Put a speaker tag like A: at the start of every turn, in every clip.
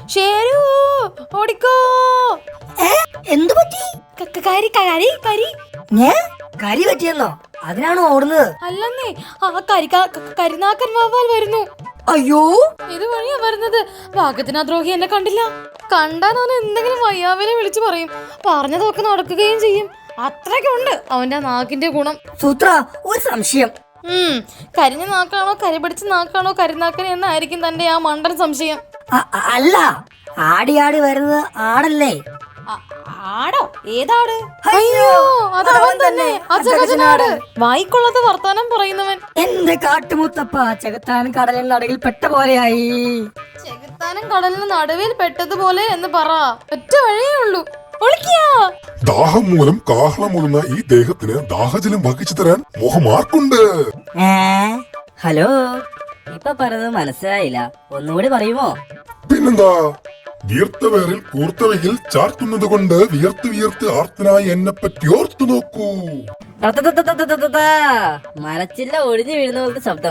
A: ഷേരു ഓടിക്കോ.
B: എന്തു പറ്റി?
A: കരി കരി കരി
B: കരി പറ്റിയെന്നോ? അതിനാണോ ഓടുന്നത്?
A: അല്ലെന്നേ, ആ കരിനാക്കൻ വവ്വാൽ വരുന്നു.
B: അയ്യോ,
A: ഇത് വഴിയാ വരുന്നത്. ഭാഗ്യത്തിന് ആ ദ്രോഹി എന്നെ കണ്ടില്ല. കണ്ടാൽ അവൻ എന്തെങ്കിലും വയ്യാവിനെ വിളിച്ചു പറയും. പറഞ്ഞതൊക്കെ നടക്കുകയും ചെയ്യും. അത്രയ്ക്കുണ്ട് അവന്റെ നാക്കിന്റെ ഗുണം.
B: സൂത്ര, ഒരു സംശയം.
A: കരിഞ്ഞ നാക്കാണോ കരി പിടിച്ച നാക്കാണോ കരിനാക്കൻ എന്നായിരിക്കും തന്റെ ആ മണ്ടൻ സംശയം.
B: അല്ല, ആടി ആടി വരുന്നത് ആടല്ലേ?
A: ആടോ? ഏതാട്? അയ്യോ, അതവൻ തന്നെ, അജഗജനാട്. വായിക്കൊള്ളത് വർത്താനം പറയുന്നവൻ.
B: എന്റെ കാട്ടുമുത്തപ്പ, ചെകുത്താൻ കടലിൽ നടുവിൽ പെട്ട പോലെയായി.
A: ചെകുത്താനും കടലിന് നടുവിൽ പെട്ടതുപോലെ എന്ന് പറ. ഒറ്റ വഴിയേ ഉള്ളൂ.
C: ദാഹം മൂലം കാഹളം മൂലുന്ന ഈ ദേഹത്തിന് ദാഹജലം വഹിച്ചു തരാൻ മോഹമാർക്കുണ്ട്.
B: ഹലോ, ഇപ്പൊ പറഞ്ഞത് മനസ്സിലായില്ല, ഒന്നുകൂടി പറയുമോ?
C: പിന്നെന്താ, വീർത്തവേറിൽ കൂർത്തവയിൽ ചാർത്തുന്നത് കൊണ്ട് വിയർത്ത് വിയർത്ത് ആർത്തനായി എന്നെ പറ്റി ഓർത്തു നോക്കൂ.
B: മരച്ചില്ല ഒടിഞ്ഞു വീഴുന്ന പോലത്തെ ശബ്ദം.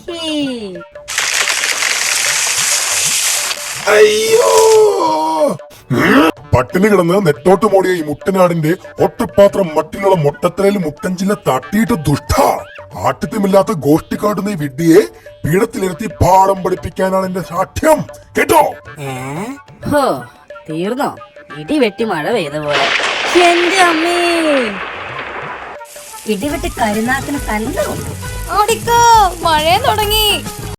C: അയ്യോ, പട്ടിണി കിടന്ന് നെട്ടോട്ട് മോടിയ ഈ മുട്ടനാടിന്റെ ഒട്ടപ്പാത്രം മട്ടിലുള്ള മൊട്ടത്തലയിൽ മുട്ടഞ്ചില്ല തട്ടിയിട്ട് ദുഷ്ട. ആട്ടിത്യമില്ലാത്ത ഗോഷ്ടി കാട്ടുന്ന ഈ വിഡ്ഢിയെ പീഠത്തിലിരുത്തി പാഠം പഠിപ്പിക്കാനാണ് എന്റെ സാഠ്യം, കേട്ടോ?
B: ഹോ, തീർന്നോ? ഇടിവെട്ടി മഴ പെയ്ത പോലെ. എന്റെ അമ്മേ, ഇടിവെട്ടി കരിനാക്കിന് തന്നെ.
A: ഓടിക്കോ, മഴ തുടങ്ങി.